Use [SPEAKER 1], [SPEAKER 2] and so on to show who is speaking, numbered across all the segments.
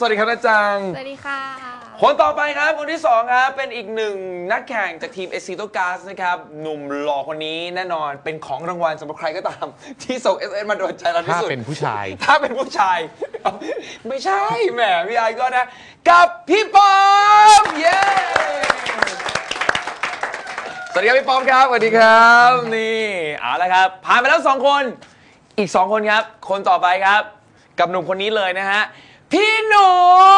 [SPEAKER 1] วัสดีครับนะจัง
[SPEAKER 2] สวัสดีค่ะ
[SPEAKER 1] คนต่อไปครับคนที่2ครับเป็นอีกหนึ่งนักแข่งจากทีม Exito Gas นะครับหนุ่มหล่อคนนี้แน่นอนเป็นของรางวัลสำหรับใครก็ตามที่ส่ง SMS มาโดนใจเราที่สุด
[SPEAKER 3] ถ้าเป็นผู้ชาย
[SPEAKER 1] ไม่ใช่แหมพี่ไอก็นะกับพี่ปอมเย้สวัสดีครับพี่ปอมครับสวัสดีครับนี่เอาละครับผ่านไปแล้ว2คนอีก2คนครับคนต่อไปครับกับหนุ่มคนนี้เลยนะฮะพี่หนู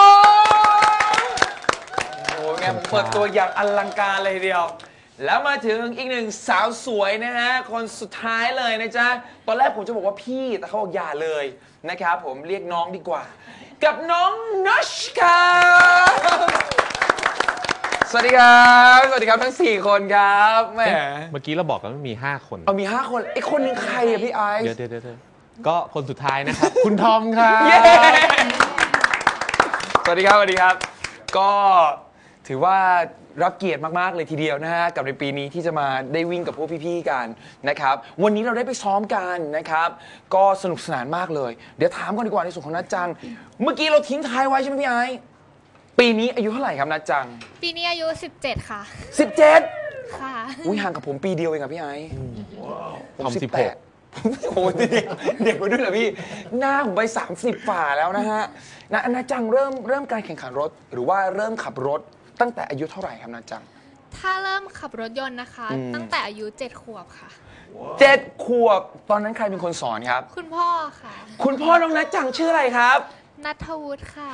[SPEAKER 1] โอ้ไงเปิดตัวอย่างอลังการเลยทีเดียวแล้วมาถึงอีกหนึ่งสาวสวยนะฮะคนสุดท้ายเลยนะจ๊ะตอนแรกผมจะบอกว่าพี่แต่เขาบอกอย่าเลยนะครับผมเรียกน้องดีกว่ากับน้องนัชครับสวัสดีครับสวัสดีครับทั้ง4คนครับแหม
[SPEAKER 3] เมื่อกี้เราบอกกันว่ามี5คน
[SPEAKER 1] มี5คนไอ้คนนึงใครอะพี่ไอซ์
[SPEAKER 3] เดี๋ยวก็คนสุดท้ายนะครับ คุณทอมครับ
[SPEAKER 1] สวัสดีครับสวัสดีครับก็ถือว่ารับเกียรติมากๆเลยทีเดียวนะฮะกับในปีนี้ที่จะมาได้วิ่งกับพวกพี่ๆกันนะครับวันนี้เราได้ไปซ้อมกันนะครับก็สนุกสนานมากเลยเดี๋ยวถามก่อนดีกว่าในส่วนของนัทจังเมื่อกี้เราทิ้งท้ายไว้ใช่ไหมพี่ไอซ์ปีนี้อายุเท่าไหร่ครับนัทจัง
[SPEAKER 2] ปีนี้อายุ17ค่ะ
[SPEAKER 1] 17
[SPEAKER 2] ค่ะ
[SPEAKER 1] อุ้ยห่างกับผมปีเดียวเองครับพี่ไอซ์
[SPEAKER 3] ผม18
[SPEAKER 1] โอ้เด็กกว่าด้วยเหรอพี่หน้าผมไป30ฝ่าแล้วนะฮะนัทจังเริ่มการแข่งขันรถหรือว่าเริ่มขับรถตั้งแต่อายุเท่าไหร่ครับนัทจัง
[SPEAKER 2] ถ้าเริ่มขับรถยนต์นะคะตั้งแต่อายุ7 ขวบค่ะ
[SPEAKER 1] 7 ขวบตอนนั้นใครเป็นคนสอนครับ
[SPEAKER 2] คุณพ่อค่ะ
[SPEAKER 1] คุณพ่อน้องนัทจังชื่ออะไรครับ
[SPEAKER 2] ณัฐวุฒิค่ะ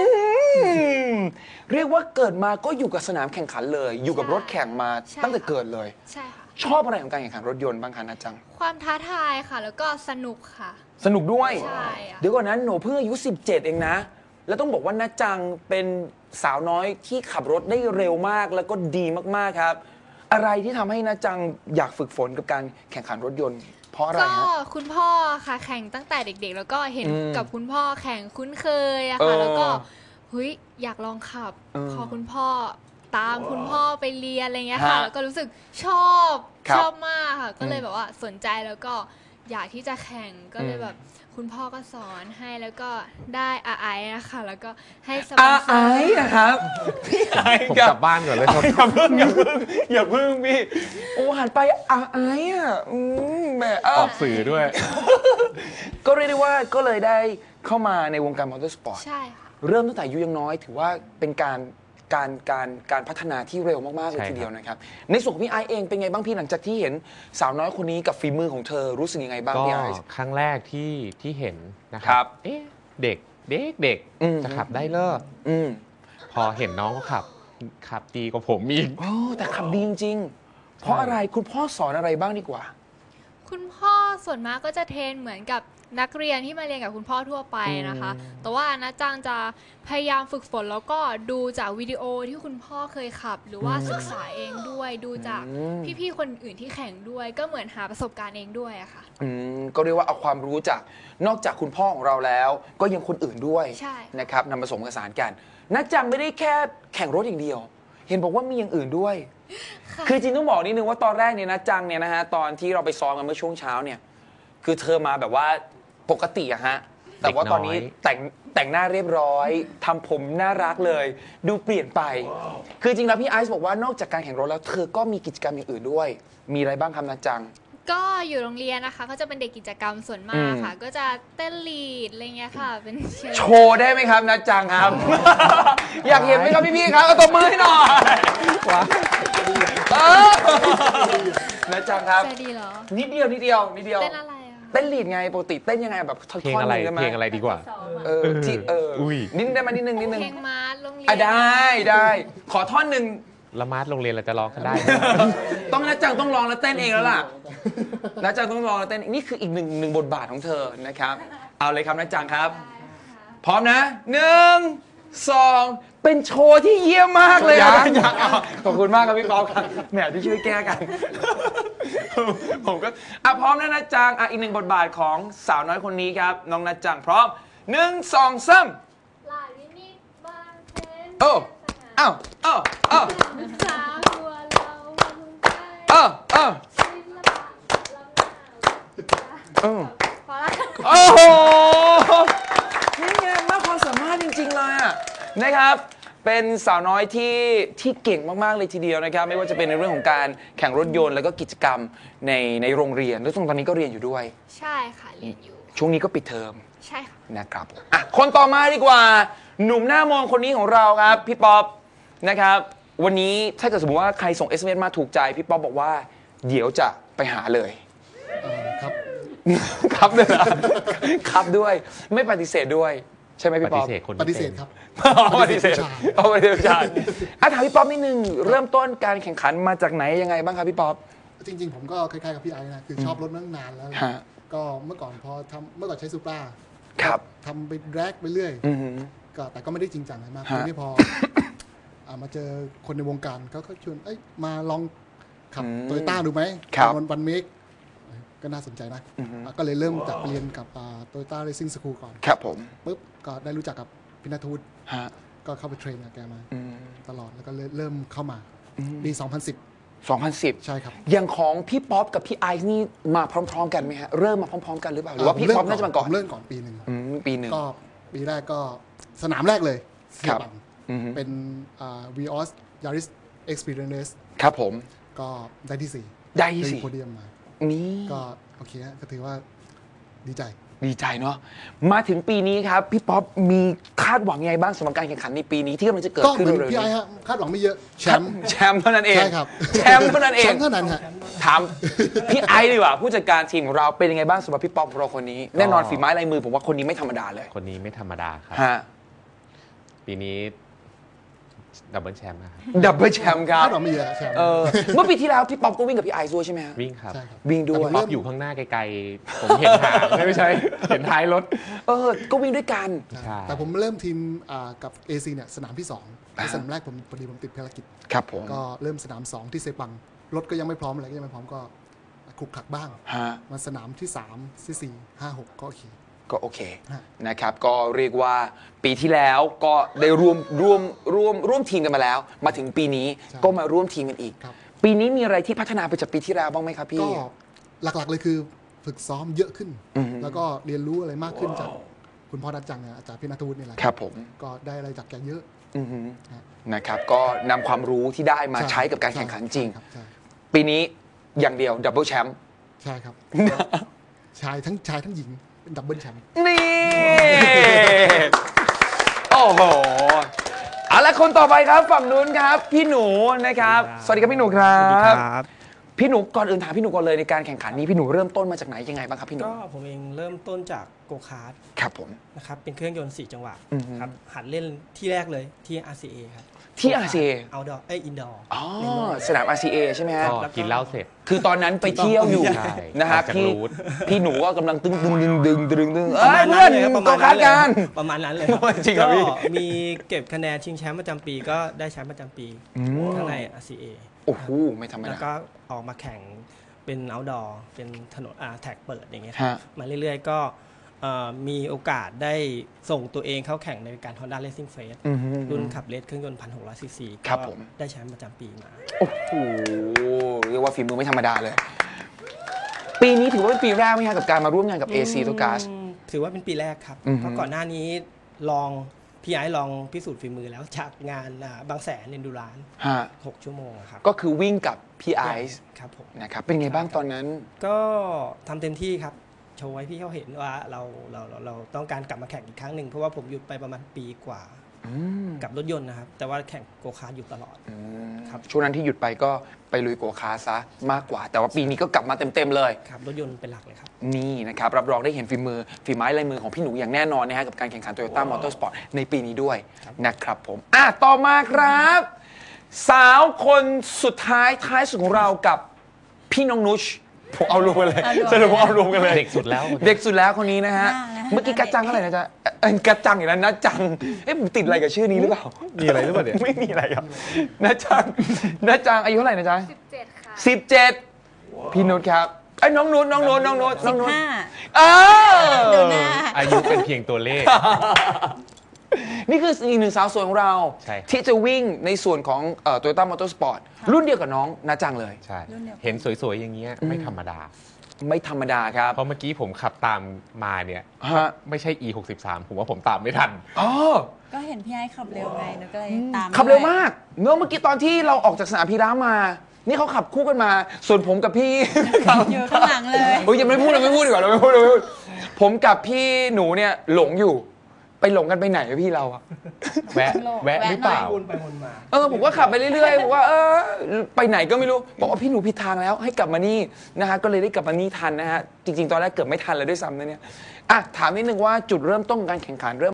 [SPEAKER 1] เรียกว่าเกิดมาก็อยู่กับสนามแข่งขันเลยอยู่กับรถแข่งมาตั้งแต่เกิดเลย
[SPEAKER 2] ใช่ค่ะ
[SPEAKER 1] ชอบอะไรของการแข่งขันรถยนต์บ้างคะนัทจัง
[SPEAKER 2] ความท้าทายค่ะแล้วก็สนุกค่ะ
[SPEAKER 1] สนุกด้วย
[SPEAKER 2] ใช่
[SPEAKER 1] เดี๋ยวก่อนนั้นหนูเพิ่งอายุ17เองนะแล้วต้องบอกว่านัทจังเป็นสาวน้อยที่ขับรถได้เร็วมากแล้วก็ดีมากๆครับอะไรที่ทำให้นัทจังอยากฝึกฝนกับการแข่งขันรถยนต์เพราะอะไร
[SPEAKER 2] ก็คุณพ่อค่ะแข่งตั้งแต่เด็กๆแล้วก็เห็นกับคุณพ่อแข่งคุ้นเคยอะค่ะแล้วก็เฮ้ยอยากลองขับพอคุณพ่อตามคุณพ่อไปเรียนอะไรเงี้ยค่ะแล้วก็รู้สึกชอบมากค่ะก็เลยแบบว่าสนใจแล้วก็อยากที่จะแข่งก็เลยแบบคุณพ่อก็สอนให้แล้วก็ได้ไอนะคะแล้วก็ให้สปอนเซอร์
[SPEAKER 1] นะครับพี่ไอ
[SPEAKER 3] ผมกลับบ้านก่อนเลยครับ
[SPEAKER 1] อย่าเพิ่งพี่โอ้หันไปไออ่ะแม่
[SPEAKER 3] ออกสื่อด้วย
[SPEAKER 1] ก็เรียกได้ว่าก็เลยได้เข้ามาในวงการมอเตอร์สปอร์ต
[SPEAKER 2] ใช่ค่ะ
[SPEAKER 1] เริ่มตั้งแต่อายุยังน้อยถือว่าเป็นการพัฒนาที่เร็วมากๆเลยทีเดียวนะครับในส่วนของพี่ไอเองเป็นไงบ้างพี่หลังจากที่เห็นสาวน้อยคนนี้กับฝีมือของเธอรู้สึกยังไงบ้างพี่ไอ
[SPEAKER 3] ครั้งแรกที่เห็นนะครับเด็กจะขับได้เลิศพอเห็นน้องเขาขับดีกว่าผมอีก
[SPEAKER 1] แต่ขับดีจริงๆเพราะอะไรคุณพ่อสอนอะไรบ้างดีกว่า
[SPEAKER 2] คุณพ่อส่วนมากก็จะเทรนเหมือนกับนักเรียนที่มาเรียนกับคุณพ่อทั่วไปนะคะแต่ว่านะจังจะพยายามฝึกฝนแล้วก็ดูจากวิดีโอที่คุณพ่อเคยขับหรือว่าศึกษาเองด้วยดูจากพี่ๆคนอื่นที่แข่งด้วยก็เหมือนหาประสบการณ์เองด้วยอะค่ะ
[SPEAKER 1] ก็เรียกว่าเอาความรู้จากนอกจากคุณพ่อของเราแล้วก็ยังคนอื่นด้วยนะครับนำผสมผสานกันนักจังไม่ได้แค่แข่งรถอย่างเดียวเห็นบอกว่ามีอย่างอื่นด้วยคือจริงต้องบอกนิดนึงว่าตอนแรกเนี่ยนักจังเนี่ยนะฮะตอนที่เราไปซ้อมกันเมื่อช่วงเช้าเนี่ยคือเธอมาแบบว่าปกติอะฮะแต่ว่าตอนนี้แต่งหน้าเรียบร้อยทำผมน่ารักเลยดูเปลี่ยนไปคือจริงแล้วพี่ไอซ์บอกว่านอกจากการแข่งรถแล้วเธอก็มีกิจกรรมอย่างอื่นด้วยมีอะไรบ้างครับนัทจัง
[SPEAKER 2] ก็อยู่โรงเรียนนะคะก็จะเป็นเด็กกิจกรรมส่วนมากค่ะก็จะเต้นลีดอะไรเงี้ยค่ะเป็น
[SPEAKER 1] โชว์ได้ไหมครับนัทจังครับ อยากเห็นไหมครับพี่ๆครับเอาตบมือให้หน่อยนัทจังครับนิดเดียวเ
[SPEAKER 2] ต้นอะไร
[SPEAKER 1] เต้นลีดไงปกติเต้นยังไงแบบท่อน
[SPEAKER 3] เพลงอะไรดีกว่า
[SPEAKER 1] ที่นิดได้ไหมนิดนึง
[SPEAKER 2] เพลงมาร์ทโรงเรียน
[SPEAKER 1] ได้ขอท่อนหนึ่ง
[SPEAKER 3] ละมาร์ทโรงเรียนเราจะร้องกันได้
[SPEAKER 1] ต้องนัทจังต้องร้องแล้วเต้นเองแล้วล่ะนัทจังต้องร้องแล้วเต้นนี่คืออีกหนึ่งบทบาทของเธอนะครับเอาเลยครับนัทจังครับพร้อมนะ1 2เป็นโชว์ที่เยี่ยมมากเลยขอบคุณมากครับพี่ป๊อปครับแหมที่ช่วยแก้กันผมก็พร้อมนะนัทจังอีกหนึ่งบทบาทของสาวน้อยคนนี้ครับน้องนัทจังพร้อม1 2 3โอ้โหนี่ไงมากความสามารถจริงๆเลยอ่ะนะครับเป็นสาวน้อยที่เก่งมากๆเลยทีเดียวนะครับไม่ว่าจะเป็นในเรื่องของการแข่งรถยนต์แล้วก็กิจกรรมในโรงเรียนแล้วตอนนี้ก็เรียนอยู่ด้วย
[SPEAKER 2] ใช่ค่ะเรียนอยู่
[SPEAKER 1] ช่วงนี้ก็ปิดเทอม
[SPEAKER 2] ใช่ค่ะ
[SPEAKER 1] นะครับอ่ะคนต่อมาดีกว่าหนุ่มหน้ามองคนนี้ของเราครับพี่ป๊อปนะครับวันนี้ถ้าเกิดสมมติว่าใครส่ง SMS มาถูกใจพี่ป๊อปบอกว่าเดี๋ยวจะไปหาเลย
[SPEAKER 4] ครับ
[SPEAKER 1] ครับด้วยครับด้วยไม่ปฏิเสธด้วยใช่ไหมพี่ป๊อป
[SPEAKER 4] ปฏิเสธครับ
[SPEAKER 1] ปฏิเสธปฏิเสธใช่ถามพี่ป๊อปนิดนึงเริ่มต้นการแข่งขันมาจากไหนยังไงบ้างครับพี่ป๊อป
[SPEAKER 4] จริงๆผมก็คล้ายๆกับพี่ไอ้นะคือชอบรถนั่งนานแล้วก็เมื่อก่อนเมื่อก่อนใช้ซูปราทำไปแรกไปเรื่อยก็แต่ก็ไม่ได้จริงจังอะไรมากทีนี้พอมาเจอคนในวงการเขาชวนมาลองขับโตโยต้าดูไหมวันเมกก็น่าสนใจนะก็เลยเริ่มจากเรียนกับโตโยต้าเรซิ่งสคูลก่อน
[SPEAKER 1] ครับผม
[SPEAKER 4] ปุ๊บก็ได้รู้จักกับพิณทูตก็เข้าไปเทรนกับแกมาตลอดแล้วก็เริ่มเข้ามาปี2010ใช่ครับ
[SPEAKER 1] อย่างของพี่ป๊อปกับพี่ไอซ์นี่มาพร้อมๆกันไหมฮะเริ่มมาพร้อมๆกันหรือเปล่าหรือว่าพี่ป๊อปน่าจะมาก่อน
[SPEAKER 4] เริ่มก่อนปีหนึ่งก็ปีแรกก็สนามแรกเลยเสียบังเป็นVios Yaris Experience
[SPEAKER 1] ครับผม
[SPEAKER 4] ก็ได้ที่4
[SPEAKER 1] ได้ที่4
[SPEAKER 4] โพเดียมมา
[SPEAKER 1] นี่
[SPEAKER 4] ก็โอเคก็ถือว่าดีใจ
[SPEAKER 1] เนาะมาถึงปีนี้ครับพี่ป๊อปมีคาดหวังยังไงบ้างสำหรับการแข่งขันในปีนี้ที่กำลังจะเกิดขึ้น
[SPEAKER 4] เร็วๆนี้พี่ไอ้ฮะคาดหวังไม่เยอะแช
[SPEAKER 1] มป์เท่านั้นเอง
[SPEAKER 4] ใช่ครับ
[SPEAKER 1] แชมป์เท่านั้นเอง
[SPEAKER 4] แชมป์เท่านั้นฮะ
[SPEAKER 1] ถามพี่ไอซ์ดีกว่าผู้จัดการทีมของเราเป็นยังไงบ้างสำหรับพี่ป๊อปของเราคนนี้แน่นอนฝีไม้ลายมือผมว่าคนนี้ไม่ธรรมดาเลย
[SPEAKER 3] คนนี้ไม่ธรรมดาครับปีนี้ดับเบิลแชมป์นะครับ
[SPEAKER 1] ดับเบิลแชมป์ครับ
[SPEAKER 4] เราไม่เยอะแชมป์
[SPEAKER 1] เมื่อปีที่แล้วพี่ป๊อปก็วิ่งกับพี่ไอซ์ด้วยใช่ไหมฮะ
[SPEAKER 3] วิ่งครับ
[SPEAKER 1] วิ่งด้วย
[SPEAKER 3] ป๊อปอยู่ข้างหน้าไกลๆผมเห็นหางไม่ใช่เห็นท้ายรถ
[SPEAKER 1] ก็วิ่งด้วยกัน
[SPEAKER 4] แต่ผมเริ่มทีมกับ AC เนี่ยสนามที่2สนามแรกผมพอดีผมติดภารกิจ
[SPEAKER 1] ครับผม
[SPEAKER 4] ก็เริ่มสนาม2ที่เซปังรถก็ยังไม่พร้อมอะไรก็ยังไม่พร้อมก็ขลุกขลักบ้างมาสนามที่3ที่4 5 6ก็โอเค
[SPEAKER 1] นะครับก็เรียกว่าปีที่แล้วก็ได้ร่วมทีมกันมาแล้วมาถึงปีนี้ก็มาร่วมทีมกันอีกปีนี้มีอะไรที่พัฒนาไปจากปีที่แล้วบ้างไหมครับพี่
[SPEAKER 4] ก็หลักๆเลยคือฝึกซ้อมเยอะขึ้นแล้วก็เรียนรู้อะไรมากขึ้นจากคุณพ่อนัดจังอาจารย์พี่ณทูตนี่แหละ
[SPEAKER 1] ครับผม
[SPEAKER 4] ก็ได้อะไรจากแกเยอะ
[SPEAKER 1] นะครับก็นำความรู้ที่ได้มาใช้กับการแข่งขันจริงปีนี้อย่างเดียวดับเบิลแชมป์
[SPEAKER 4] ใช่ครับชายทั้งหญิงเป็นดับเบิลแชมป์
[SPEAKER 1] นี่โอ้โหเอาละคนต่อไปครับฝั่งนู้นครับพี่หนูนะครับสวัสดีครับพี่หนูครับพี่หนูก่อนอื่นถามพี่หนูก่อนเลยในการแข่งขันนี้พี่หนูเริ่มต้นมาจากไหนยังไงบ้างครับพี่หนู
[SPEAKER 5] ก็ผมเองเริ่มต้นจากโกคาร์ท
[SPEAKER 1] ครับผม
[SPEAKER 5] นะครับเป็นเครื่องยนต์4จังหวะครับหัดเล่นที่แรกเลยที่ RCA ครับ
[SPEAKER 1] ที่ RCA
[SPEAKER 5] outdoor indoor
[SPEAKER 1] สนาม RCA ใช่ไหมฮะ
[SPEAKER 3] กินเหล้าเสร็จ
[SPEAKER 1] คือตอนนั้นไปเที่ยวอยู่นะฮะพี่หนูก็กำลังดึงเพื่อน
[SPEAKER 5] ประมาณนั้นเลย
[SPEAKER 1] จริงครับพี่
[SPEAKER 5] มีเก็บคะแนนชิงแชมป์ประจำปีก็ได้แชมป์ประจำปีข้างใน RCA
[SPEAKER 1] โอ้โหไม่ธรรมดา
[SPEAKER 5] แล้วก็ออกมาแข่งเป็น outdoor เป็นถนนแท็กเปิดอย่างเงี้ยมาเรื่อยๆก็มีโอกาสได้ส่งตัวเองเข้าแข่งในการ Honda Racing Face รุ่นขับเลสเครื่องยนต์ 1,600 ซีซีก็ได้แชมป์ประจำปีมา
[SPEAKER 1] โอ้โหเรียกว่าฝีมือไม่ธรรมดาเลยปีนี้ถือว่าเป็นปีแรกไหมครับกับการมาร่วมงานกับ AC Autocars
[SPEAKER 5] ถือว่าเป็นปีแรกครับเพราะก่อนหน้านี้พี่ไอ้ลองพิสูจน์ฝีมือแล้วจากงานบางแสนเอนดูราน6 ชั่วโมงครับ
[SPEAKER 1] ก็คือวิ่งกับพี่ไอซ์
[SPEAKER 5] ครับผม
[SPEAKER 1] นะครับเป็นไงบ้างตอนนั้น
[SPEAKER 5] ก็ทำเต็มที่ครับโชว์ให้พี่เขาเห็นว่าเราต้องการกลับมาแข่งอีกครั้งหนึ่งเพราะว่าผมหยุดไปประมาณปีกว่ากับรถยนต์นะครับแต่ว่าแข่งโกคาร์ทอยู่ตลอด
[SPEAKER 1] ครับช่วงนั้นที่หยุดไปก็ไปลุยโกคาร์ทซะมากกว่าแต่ว่าปีนี้ก็กลับมาเต็มเลย
[SPEAKER 5] ครับรถยนต์เป็นหลักเลยครับ
[SPEAKER 1] นี่นะครับรับรองได้เห็นฝีไม้ลายมือของพี่หนูอย่างแน่นอนนะฮะกับการแข่งขัน Toyota Motorsport ในปีนี้ด้วยนะครับผมต่อมาครับสาวคนสุดท้ายสุดของเรากับพี่น้องนุชผมเอารวมกันเลยสรุปเอารวมกันเลย
[SPEAKER 3] เด็กสุด
[SPEAKER 1] แล้วคนนี้นะฮะเมื่อกี้กัจจังเท่าไหร่นะจ๊ะกัจจังอย่างนั้นนะจังผมติดอะไรกับชื่อนี้หรือเปล่า
[SPEAKER 3] มีอะไรหรือเปล่าเนี่ย
[SPEAKER 1] ไม่มีอะไรครับนะจังอายุเท่าไหร่นะจ๊ะ
[SPEAKER 2] 17ค่ะ
[SPEAKER 1] 17พี่นุชครับน้องนุช
[SPEAKER 3] อายุเป็นเพียงตัวเลข
[SPEAKER 1] นี่คืออีกหนึ่งสาวสวยของเราที่จะวิ่งในส่วนของToyota Motorsport รุ่นเดียวกับน้องนาจังเลย
[SPEAKER 3] ใช่เห็นสวยๆอย่างเงี้ยไม่ธรรมดา
[SPEAKER 1] ไม่ธรรมดาครับ
[SPEAKER 3] เพราะเมื่อกี้ผมขับตามมาเนี่ย
[SPEAKER 1] ฮะ
[SPEAKER 3] ไม่ใช่ E63 ผมว่าผมตามไม่ทัน
[SPEAKER 1] อ๋อ
[SPEAKER 6] ก็เห็นพี่ไอ้ขับเร็วไงหนูก็เลยตาม
[SPEAKER 1] ขับเร็ว
[SPEAKER 6] ด้วย
[SPEAKER 1] มากเมื่อกี้ตอนที่เราออกจากสนามพีระมา นี่เขาขับคู่กันมา ส่วนผมกับพี่
[SPEAKER 6] อยู่ข้างหลังเลย
[SPEAKER 1] โอ้ยยังไม่พูดดีกว่าเราไม่พูดผมกับพี่หนูเนี่ยหลงอยู่ ไปหลงกันไปไหนอะพี่เราอะ
[SPEAKER 3] แวะหรือเปล่า
[SPEAKER 5] วนไปวนมา
[SPEAKER 1] ผมก็ขับไปเรื่อยๆบอกว่าไปไหนก็ไม่รู้บอกว่าพี่หนูผิดทางแล้วให้กลับมานี่นะฮะก็เลยได้กลับมานี่ทันนะฮะจริงๆตอนแรกเกือบไม่ทันเลยด้วยซ้ำนะเนี่ยถามนิดนึงว่าจุดเริ่มต้นของการแข่งขันเริ่ม